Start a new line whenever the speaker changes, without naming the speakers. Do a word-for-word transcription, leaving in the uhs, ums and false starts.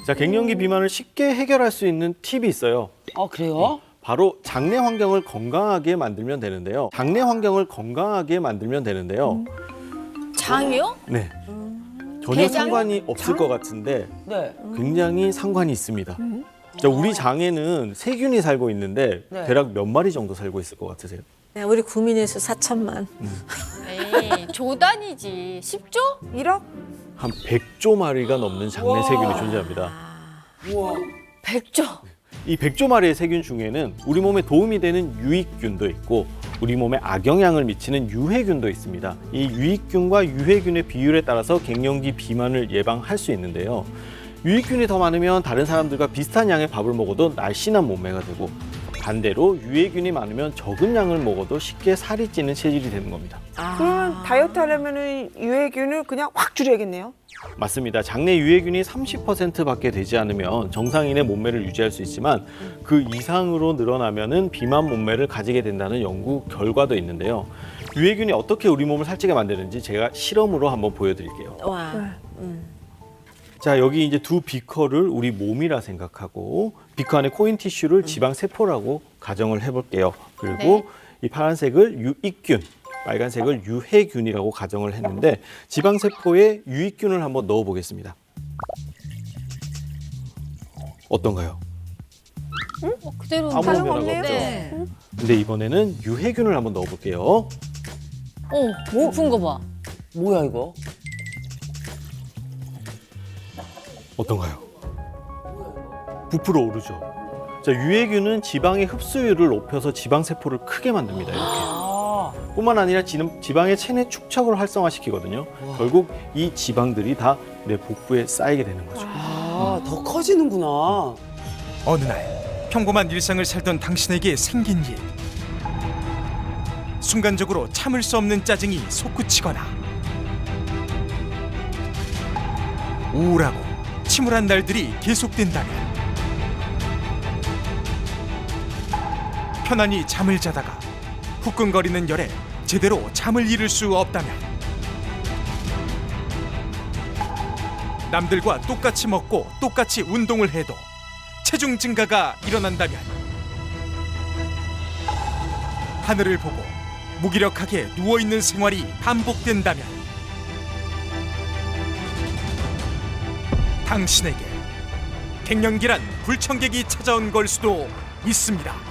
자, 갱년기 비만을 쉽게 해결할 수 있는 팁이 있어요.
아, 그래요?
바로 장내 환경을 건강하게 만들면 되는데요. 장내 환경을 건강하게 만들면 되는데요.
장이요?
네. 전혀
대장?
상관이 없을 것 같은데
네.
굉장히 상관이 있습니다. 자, 우리 장에는 세균이 살고 있는데
네.
대략 몇 마리 정도 살고 있을 것 같으세요?
네, 우리 국민의 수 사천만.
에이, 조단이지. 십조?
일억?
한 백조 마리가 넘는 장내 세균이 존재합니다.
우와.
백조.
이 백조 마리의 세균 중에는 우리 몸에 도움이 되는 유익균도 있고 우리 몸에 악영향을 미치는 유해균도 있습니다. 이 유익균과 유해균의 비율에 따라서 갱년기 비만을 예방할 수 있는데요. 유익균이 더 많으면 다른 사람들과 비슷한 양의 밥을 먹어도 날씬한 몸매가 되고 반대로 유해균이 많으면 적은 양을 먹어도 쉽게 살이 찌는 체질이 되는 겁니다.
그러면 다이어트 하려면 유해균을 그냥 확 줄여야겠네요.
맞습니다. 장내 유해균이 삼십 퍼센트밖에 되지 않으면 정상인의 몸매를 유지할 수 있지만 그 이상으로 늘어나면은 비만 몸매를 가지게 된다는 연구 결과도 있는데요. 유해균이 어떻게 우리 몸을 살찌게 만드는지 제가 실험으로 한번 보여드릴게요.
와.
자, 여기 이제 두 비커를 우리 몸이라 생각하고 비커 안에 코인 티슈를 지방 세포라고 가정을 해볼게요. 그리고 이 파란색을 유익균, 빨간색을 유해균이라고 가정을 했는데 지방 세포에 유익균을 한번 넣어 보겠습니다. 어떤가요?
어, 그대로.
아무 변화가
없네요.
없죠.
네.
근데 이번에는 유해균을 한번 넣어 볼게요.
어, 높은 거 봐.
뭐야, 이거?
어떤가요? 부풀어 오르죠. 자, 유해균은 지방의 흡수율을 높여서 지방 세포를 크게 만듭니다. 이렇게.
아,
뿐만 아니라 지- 지방의 체내 축적을 활성화시키거든요. 결국 이 지방들이 다 내 복부에 쌓이게 되는 거죠.
아, 더 커지는구나.
어느 날 평범한 일상을 살던 당신에게 생긴 일. 순간적으로 참을 수 없는 짜증이 솟구치거나 우울하고 침울한 날들이 계속된다면 편안히 잠을 자다가 후끈거리는 열에 제대로 잠을 이룰 수 없다면 남들과 똑같이 먹고 똑같이 운동을 해도 체중 증가가 일어난다면 하늘을 보고 무기력하게 누워있는 생활이 반복된다면 당신에게 갱년기란 불청객이 찾아온 걸 수도 있습니다.